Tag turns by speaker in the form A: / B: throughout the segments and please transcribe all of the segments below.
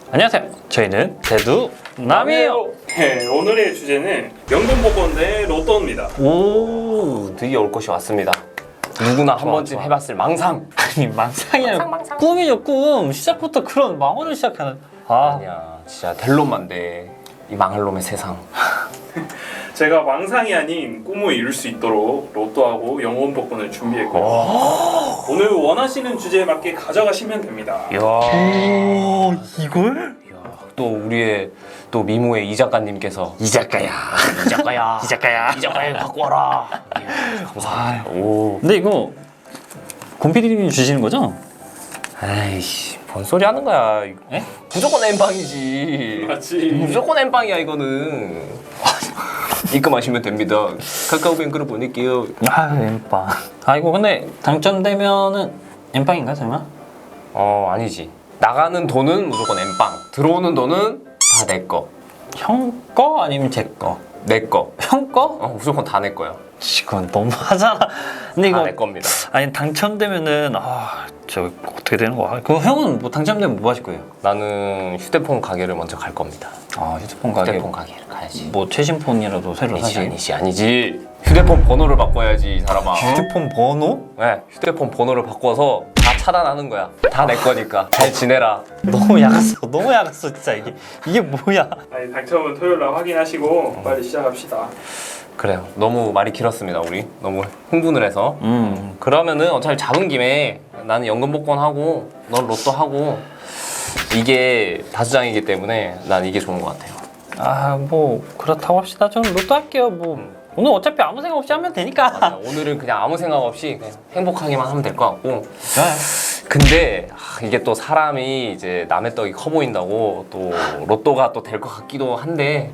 A: 안녕하세요. 저희는 대두남이에요.
B: 네, 오늘의 주제는 연금복권 대 로또입니다.
C: 오, 드디어 올 것이 왔습니다. 누구나 한 번쯤 해봤을 망상.
A: 아니 망상이 아니라 꿈이죠 꿈. 시작부터 그런 망언을 시작하는.
C: 아니야, 진짜 될 놈만 돼. 이 망할 놈의 세상.
B: 제가 망상이 아닌 꿈을 이룰 수 있도록 로또하고 연금복권을 준비했고요. 오늘 원하시는 주제에 맞게 가져가시면 됩니다.
C: 이야,
A: 이걸?
C: 또 우리의 또 미모의 이 작가님께서
A: 이 작가야.
C: 이 작가야,
A: 이 작가야.
C: 이 작가야 갖고 와라. 이야, 감사합니다. 오,
A: 근데 이거 곰피디님이 주시는 거죠?
C: 아이씨, 뭔 소리 하는 거야?
A: 에?
C: 무조건 엠빵이지.
B: 맞지.
C: 무조건 엠빵이야 이거는. 입금하시면 됩니다. 카카오뱅크로 보낼게요.
A: 아 엠빵. 아 이거 근데 당첨되면은 엠빵인가 설마?
C: 아니지. 나가는 돈은 무조건 엠빵. 들어오는 돈은 다 내 거.
A: 형 거 아니면 제 거?
C: 내 거.
A: 형 거?
C: 무조건 다 내 거야.
A: 이건 너무하잖아. 근데
C: 다
A: 이거
C: 내 겁니다.
A: 아니 당첨되면은 저 어떻게 되는 거야? 그 형은 뭐 당첨되면 뭐 하실 거예요?
C: 나는 휴대폰 가게를 먼저 갈 겁니다.
A: 아 휴대폰 가게
C: 휴대폰 가게를 가야지.
A: 뭐 최신 폰이라도 새로 사시.
C: 아니지. 휴대폰 번호를 바꿔야지 이 사람아.
A: 휴대폰 번호?
C: 네, 휴대폰 번호를 바꿔서 다 차단하는 거야. 다 내 거니까. 잘 지내라.
A: 너무 약았어 진짜 이게 뭐야?
B: 아니, 당첨은 토요일 날 확인하시고 빨리 시작합시다.
C: 그래요. 너무 말이 길었습니다 우리. 너무 흥분을 해서. 그러면은 어차피 잡은 김에 나는 연금복권 하고 넌 로또 하고 이게 다수장이기 때문에 난 이게 좋은 것 같아요.
A: 아 뭐 그렇다고 합시다. 저는 로또 할게요. 뭐 오늘 어차피 아무 생각 없이 하면 되니까.
C: 맞아요. 오늘은 그냥 아무 생각 없이 그냥 행복하게만 하면 될 것 같고.
A: 좋아요.
C: 근데 이게 또 사람이 이제 남의 떡이 커 보인다고 또 로또가 또 될 것 같기도 한데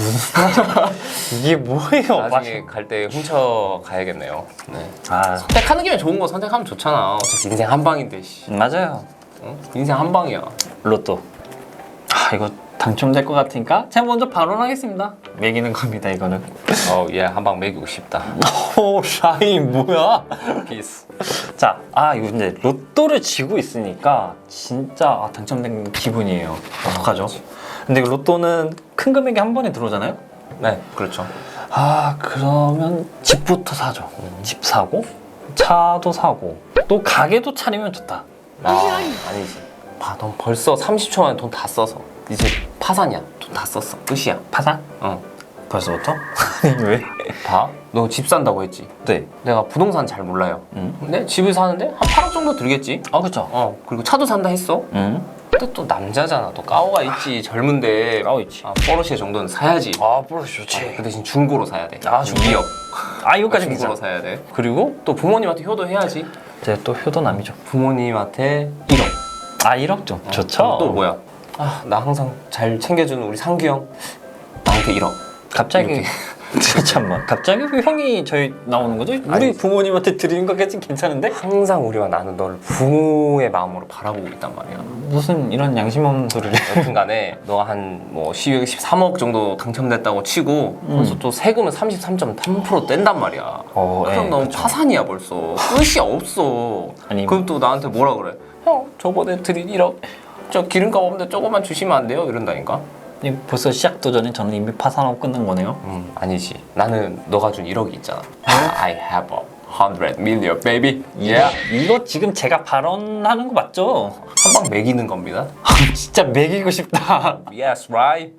A: 이게 뭐예요?
C: 나중에 갈 때 훔쳐 가야겠네요. 네.
A: 아
C: 선택하는 김에 좋은 거 선택하면 좋잖아. 어차피 인생 한 방인데 씨.
A: 맞아요.
C: 어? 인생 한 방이야.
A: 로또. 아 이거 당첨될 것 같으니까 제가 먼저 발언하겠습니다. 매기는 겁니다 이거는.
C: 얘 한 방 먹이고 싶다.
A: 오 샤인 뭐야?
C: 피스.
A: 자, 이거 이제 로또를 쥐고 있으니까 진짜 당첨된 기분이에요. 어떡하죠? 근데 그 로또는 큰 금액이 한 번에 들어오잖아요?
C: 네, 그렇죠.
A: 그러면 집부터 사죠. 집 사고, 차도 사고, 또 가게도 차리면 좋다.
C: 아니지. 봐, 넌 벌써 30초 만에 돈 다 써서 이제 파산이야. 돈 다 썼어. 끝이야.
A: 파산? 벌써부터? 아니, 왜?
C: 봐, 너 집 산다고 했지.
A: 네.
C: 내가 부동산 잘 몰라요. 근데 집을 사는데 한 8억 정도 들겠지.
A: 그쵸.
C: 그리고 차도 산다 했어. 근데 또 남자잖아. 또 까오가 있지. 젊은데.
A: 까오 있지.
C: 포르쉐 정도는 사야지.
A: 포르쉐 좋지.
C: 그 대신 중고로 사야 돼.
A: 중고?
C: 위협.
A: 이거까지
C: 중고로
A: 괜찮아.
C: 사야 돼. 그리고 또 부모님한테 효도해야지.
A: 제가 또 효도남이죠.
C: 부모님한테 1억.
A: 1억 좀 좋죠.
C: 또 뭐야? 나 항상 잘 챙겨주는 우리 상규 형. 나한테 1억.
A: 갑자기 잠깐만. 갑자기 왜 형이 저희 나오는 거죠? 우리
C: 아니,
A: 부모님한테 드리는 것까진 괜찮은데?
C: 항상 우리와 나는 너를 부모의 마음으로 바라보고 있단 말이야.
A: 무슨 이런 양심 없는 소리를.
C: 여튼간에 너가 한 뭐 12억, 13억 정도 당첨됐다고 치고 벌써 또 세금은 33.3% 뗀단 말이야. 그럼 너무 파산이야 벌써. 끝이 없어.
A: 아니,
C: 그럼 또 나한테 뭐라 그래? 형 저번에 드린 1억 저 기름값 없는데 조금만 주시면 안 돼요? 이런다니까.
A: 벌써 시작도 전에 저는 이미 파산하고 끝난 거네요.
C: 아니지. 나는 너가 준 1억이 있잖아. I have 100 million baby. Yeah.
A: 이거 지금 제가 발언하는 거 맞죠?
C: 한 방 매기는 겁니다.
A: 진짜 매기고 싶다.
C: Yes, right.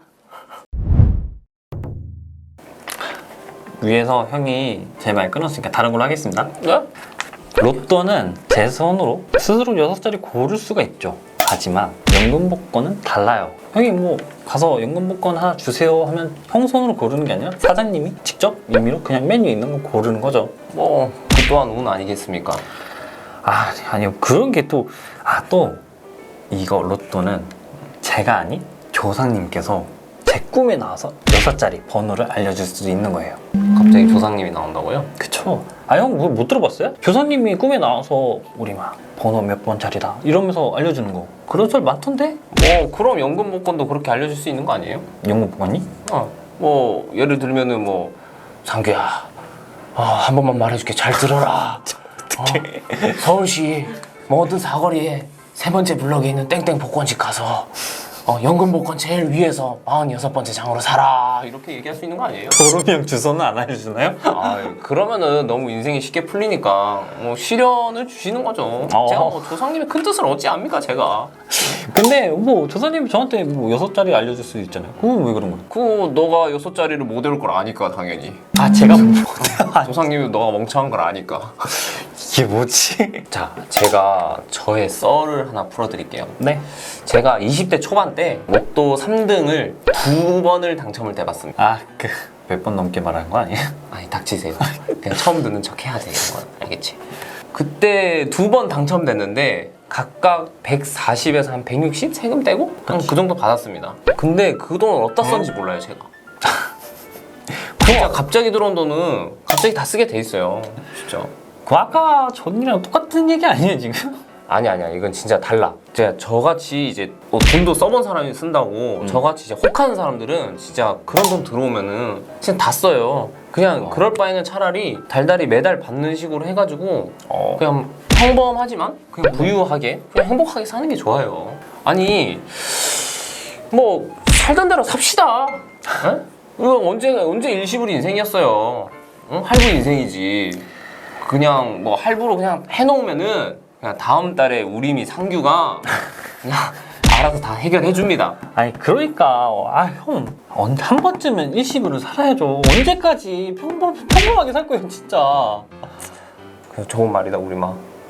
A: 위에서 형이 제 말 끊었으니까 다른 걸로 하겠습니다.
C: 네?
A: 로또는 제 손으로 스스로 6자리 고를 수가 있죠. 하지만 연금복권은 달라요. 형이 뭐 가서 연금복권 하나 주세요 하면 형 손으로 고르는 게 아니라 사장님이 직접 임의로 그냥 메뉴에 있는 거 고르는 거죠.
C: 뭐 그 또한 운 아니겠습니까?
A: 아니요. 그런 게 또 이거 로또는 제가 아닌 조상님께서 제 꿈에 나와서 6자리 번호를 알려줄 수도 있는 거예요.
C: 갑자기 조상님이 나온다고요?
A: 그쵸? 형 뭐 못 들어봤어요? 조상님이 꿈에 나와서 우리 막 번호 몇 번짜리다 이러면서 알려주는 거 그런 소리 많던데?
C: 그럼 연금복권도 그렇게 알려줄 수 있는 거 아니에요?
A: 연금복권이?
C: 뭐 예를 들면은 뭐 상규야 한 번만 말해줄게 잘 들어라. 어떡해. 서울시 모든 사거리에 3번째 블럭에 있는 땡땡 복권집 가서 연금 복권 제일 위에서 46번째 장으로 살아 이렇게 얘기할 수 있는 거 아니에요?
A: 도로명 주소는 안 알려주나요?
C: 그러면은 너무 인생이 쉽게 풀리니까 뭐 시련을 주시는 거죠. 제가 뭐 조상님의 큰 뜻을 얻지 않습니까 제가.
A: 근데 뭐 조사님이 저한테 뭐 6자리 알려줄 수도 있잖아요. 그건 왜 그런 거예요?
C: 그거 너가 6자리를 못 외울 걸 아니까 당연히.
A: 아 제가
C: 조상님이 너가 멍청한 걸 아니까.
A: 이게 뭐지?
C: 자, 제가 저의 썰을 하나 풀어드릴게요.
A: 네.
C: 제가 20대 초반 때 로또 3등을 2번을 당첨을 해봤습니다.
A: 아 그 몇 번 넘게 말하는 거 아니에요?
C: 아니 닥치세요. 그냥 처음 듣는 척 해야 돼 이런 건 알겠지? 그때 2번 당첨됐는데 각각 140에서 한 160 세금 떼고 한 그 정도 받았습니다. 근데 그 돈을 어디다 썼는지 몰라요 제가. 진짜 갑자기 들어온 돈은 갑자기 다 쓰게 돼 있어요. 진짜.
A: 그 아까 전이랑 똑같은 얘기 아니에요 지금?
C: 아니야 이건 진짜 달라. 제가 저같이 이제 뭐 돈도 써본 사람이 쓴다고 저같이 이제 혹하는 사람들은 진짜 그런 돈 들어오면은 진짜 다 써요. 그냥 그럴 바에는 차라리 달달이 매달 받는 식으로 해가지고 그냥 평범하지만 그냥 부유하게 그냥 행복하게 사는 게 좋아요. 아니 뭐 살던 대로 삽시다. 에? 이거 언제 일시불 인생이었어요. 응? 할부 인생이지. 그냥 뭐 할부로 그냥 해놓으면은 그냥 다음 달에 우리미 상규가 그냥 알아서 다 해결해 줍니다.
A: 아니 그러니까 한 번쯤은 일시불을 살아야죠. 언제까지 평범하게 살 거예요 진짜.
C: 그래서 좋은 말이다 우리마.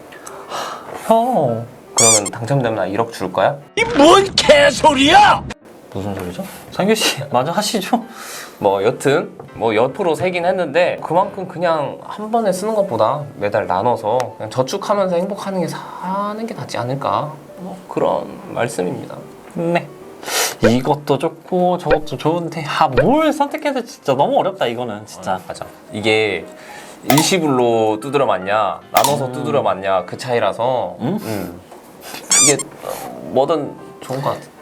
A: 형
C: 그러면 당첨되면 나 1억 줄 거야?
D: 이 뭔 개소리야!
A: 무슨 소리죠? 상규 씨 마저 하시죠.
C: 뭐 여튼 뭐 옆으로 세긴 했는데 그만큼 그냥 한 번에 쓰는 것보다 매달 나눠서 그냥 저축하면서 행복하는 게 사는 게 낫지 않을까 뭐 그런 말씀입니다.
A: 네. 이것도 좋고 저것도 좋은데 뭘 선택해야 될지 진짜 너무 어렵다 이거는 진짜.
C: 맞아. 이게 일시불로 두드려 맞냐 나눠서 두드려 맞냐 그 차이라서 이게 뭐든 좋은 것 같아.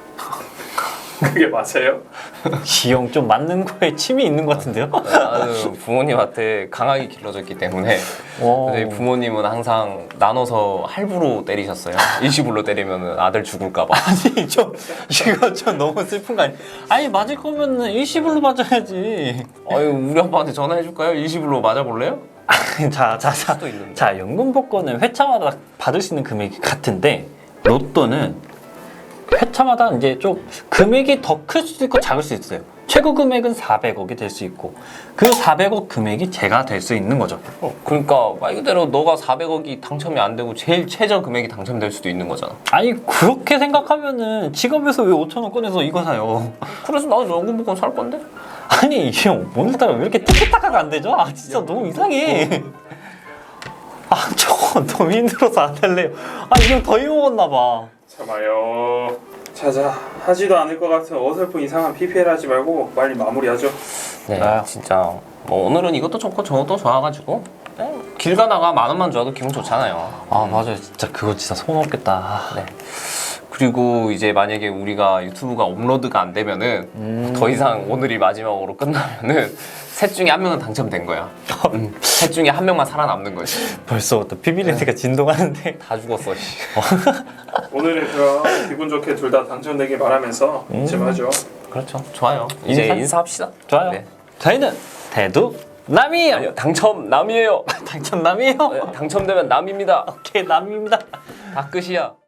B: 그게 맞아요?
A: 이 형 좀 맞는 거에 침이 있는 것 같은데요?
C: 나는 부모님한테 강하게 길러졌기 때문에 저희 부모님은 항상 나눠서 할부로 때리셨어요. 일시불로 때리면 아들 죽을까봐.
A: 아니 이거 좀 너무 슬픈 거 아니야? 아니 맞을 거면은 일시불로 맞아야지.
C: 우리 아빠한테 전화해줄까요? 일시불로 맞아볼래요? 수도 있는데.
A: 자 연금 복권은 회차마다 받을 수 있는 금액이 같은데 로또는 회차마다 이제 좀 금액이 더 클 수도 있고 작을 수 있어요. 최고 금액은 400억이 될 수 있고 그 400억 금액이 제가 될 수 있는 거죠.
C: 그러니까 말 그대로 너가 400억이 당첨이 안 되고 제일 최저 금액이 당첨될 수도 있는 거잖아.
A: 아니 그렇게 생각하면은 지갑에서 왜 5천원 꺼내서 이거 사요?
C: 그래서 나도 연금 복권 살 건데?
A: 아니 이 형 오늘따라 왜 이렇게 티키타카가 안 되죠? 아 진짜 너무 이상해. 아 저거 너무 힘들어서 안 할래요. 아 이 형 더위 먹었나 봐.
B: 참아요. 자자, 하지도 않을 것 같은 어설픈 이상한 PPL 하지 말고 빨리 마무리하죠.
C: 네,
A: 아유.
C: 진짜 뭐 오늘은 이것도 좋고 저것도 좋아가지고 길 가다가 10,000원만 줘도 기분 좋잖아요.
A: 아 맞아요 진짜 그거 진짜 소원 없겠다.
C: 네. 그리고 이제 만약에 우리가 유튜브가 업로드가 안 되면은 더 이상 오늘이 마지막으로 끝나면은 셋 중에 한 명은 당첨된 거야. 셋 중에 한 명만 살아남는 거지.
A: 벌써부터 피비린내가 진동하는데.
C: 다 죽었어. 씨.
B: 오늘은 그럼 기분 좋게 둘 다 당첨되길 바라면서 이쯤 하죠.
C: 그렇죠. 좋아요. 이제 인사합시다.
A: 좋아요.
C: 네.
A: 저희는 대두 남이에요.
C: 아니요, 당첨 남이에요.
A: 당첨 남이에요.
C: 당첨되면 남입니다.
A: 오케이 남입니다.
C: 다 끝이야.